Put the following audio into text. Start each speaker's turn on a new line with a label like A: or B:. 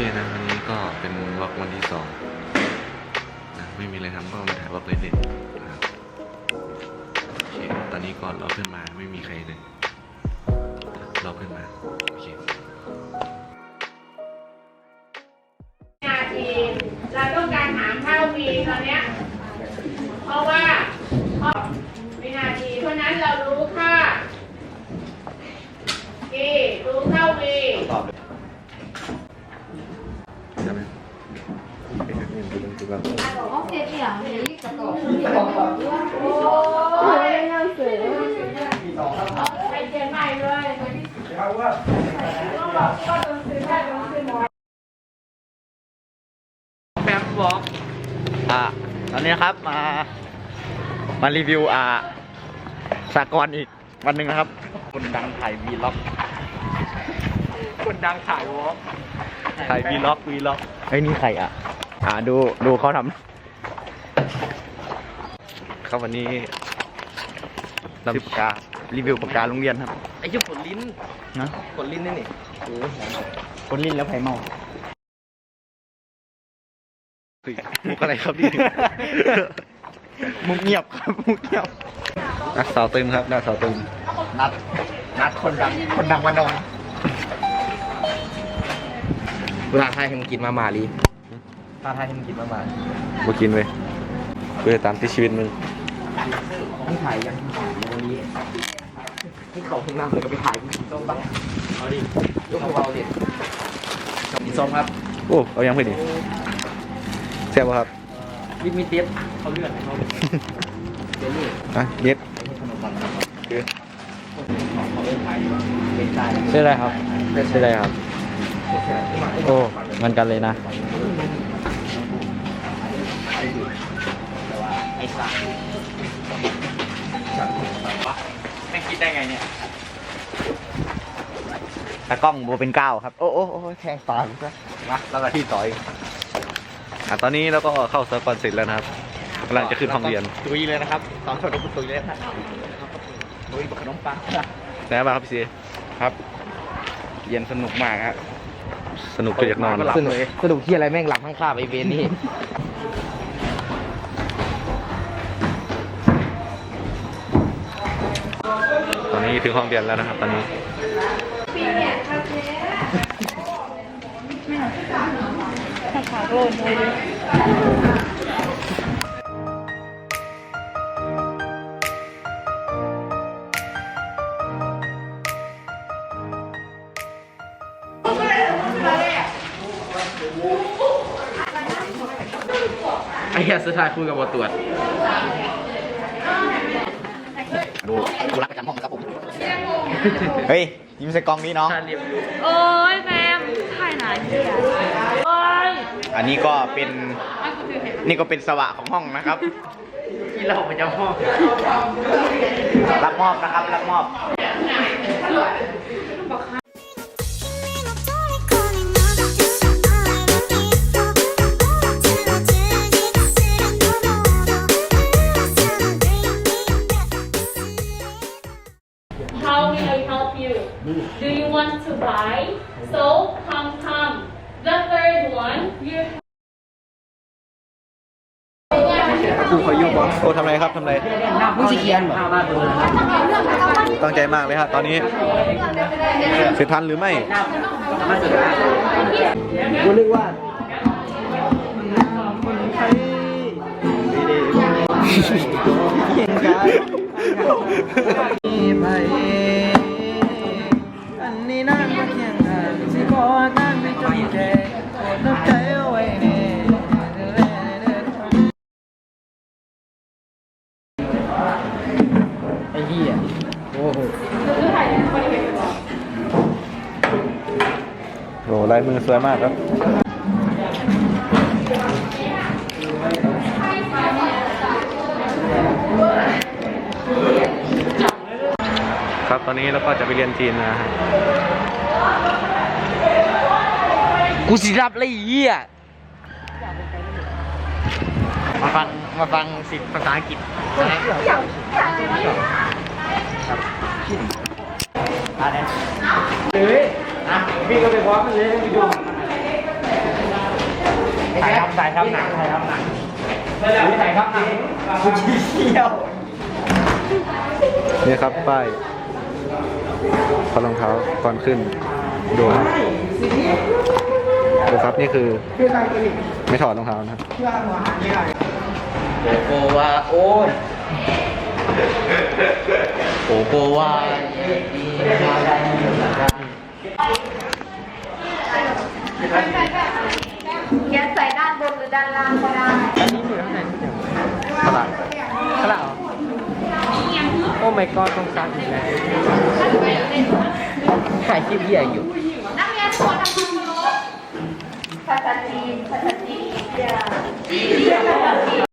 A: นะวันนี้ก็เป็นวอล์กวันที่2นะไม่มีอะไรทำก็มาถ่ายวอล์กเล่นๆนะครับโอเคตอนนี้ก่อนรอเพื่อนมาไม่มีใครเลยรอเพื่อนมาโอเค
B: นาทีเราต้องการหาเท่าวีตอนเนี้ยเพราะว่าวินาทีเพราะนั้นเรารู้ค่าวีรู้เท่าวี
A: ตอบเลยใช่ไหม
B: ไปเชียงใหม่เลยต้องบอกก็ต้องซื้อได้ต้องซื้อน้อย
C: แฟมบอกตอนนี้นะครับมารีวิวสากลอีกวันหนึ่งนะครับคนดังถ่ายวีล็อกคนดังถ่ายวอล์กถ่ายวีล็อกเฮ้ยนี่ใครดูเขาทำ
A: ครับวันนี้
C: นำปากการีวิวปากกาโรงเรียนครับ
D: ไอ้เจ้าขนลิ้น
C: นะ
D: ขนลิ้นนี่
C: คนลิ้นแล้วไผ่เมา
A: มุกอะไรครับพี่
C: มุกเงียบครับมุกเงียบ
A: นักสาวตึงครับนักสาวตึง
C: นัดคนดังมานอน
D: เวลาไทยให้มึงกินมาม่าลีถ้าไทยให้มึงกินมาม่า
A: มากินเว้ยเพื่อตามที่ชีวิตมึง
D: ที่ถ่ายยังวันนี้ที่เขาข้างหน้าเลยก็ไปถ่ายกินส้มบ้างเอาดิยกของเราดิกินส้มครับ
A: โอ้เอายังไปดิแซ่บป่ะครับ
D: วิตมีเทียบเขาเลื่อนเขาเจนี่
A: เย็ด
D: คือเขาเล่นไทยเป็นใจ
C: ชื่ออะไรครับชื่ออะไรครับโอ้มันกันเลยนะ
D: ไอ้สัตว์ไม่คิดได้ไงเนี่ย
C: ตากล้องโบเป็นก้าวครับโอ้แทงตาซะ
A: มาแล้วก็ที่ต่อยตอนนี้เราก็เข้าสากลเสร็จแล้วนะครับกำลังจะขึ้นห้องเรียน
D: ตุยเลยนะครับตอนชนตุยเลยครับตุยบักขนมปัง
A: ไหนบ้างครับพี่ซี
C: ครับเรียนสนุกมากครับ
A: สนุกก็อยากนอน
D: สนุกที่อะไรแม่งหลับข้างคาบไอเวนนี่
A: ตอนนี้ถึงห้องเรียนแล้วนะครับตอนนี้
D: ไอ้เหี้ยสุดท้ายคุยกับบทตรวจ
C: ดูรักประจำห้องครับผมเฮ้ยยิ้มใส่กล้องนี้น้อง
B: โอ้ยแมมถ่ายหนาที่โอ้ย
C: อันนี้ก็เป็นสวะของห้องนะครับ
D: ที่เราประจำห้อง
C: รับมอบนะครับรับมอบ
B: How will I help you? Do you want to buy? So come. The third one, you.
A: ครูขอยุ่งบอกโอ้ทำไรครับทำไร
D: มึงสิเขียนบ่
A: ตั้งใจมากเลยครับตอนนี้เสร็จทันหรือไม่
D: กูนึกว่าเก่งกันอันนี้นั่งมาเคียงกันสิขอนั่งไม่จนแก่โปรดรับใจเอาไว้เน่ไอ้เหี้ยโอ้โห
A: โอ้ลายมือสวยมากครับครับตอนนี้เราก็จะไปเรียนจีนนะฮะ
D: กูสิรับเลยเหี้ย
C: มาฟังสิภาษาอังกฤษนะ
D: เลยพี่ก็ไปพร้อมกันเลยไปดูถ่ายทำหนังถ่ายทำหนังถ่ายทำหนังกูชี้เที่ยว
A: นี่ครับป้ายพอรองเท้าก่อนขึ้นดูนะดูครับนี่คือไม่ถอดรองเท้านะครับ
C: โกโกวาโอ้ยโกโกวา
B: เขียนใส่ด้านบนหรือด้านล่างก็ได้
D: อันนี้อยู่ข้างในไม่ใช่ขลาดขลาดโอ้ my god ต้องสั่งอีกแล้วถ่ายคลิปเหี้ยอยู่
B: นักเรียนขอทำความเคารพภาษาจีนภาษาจีน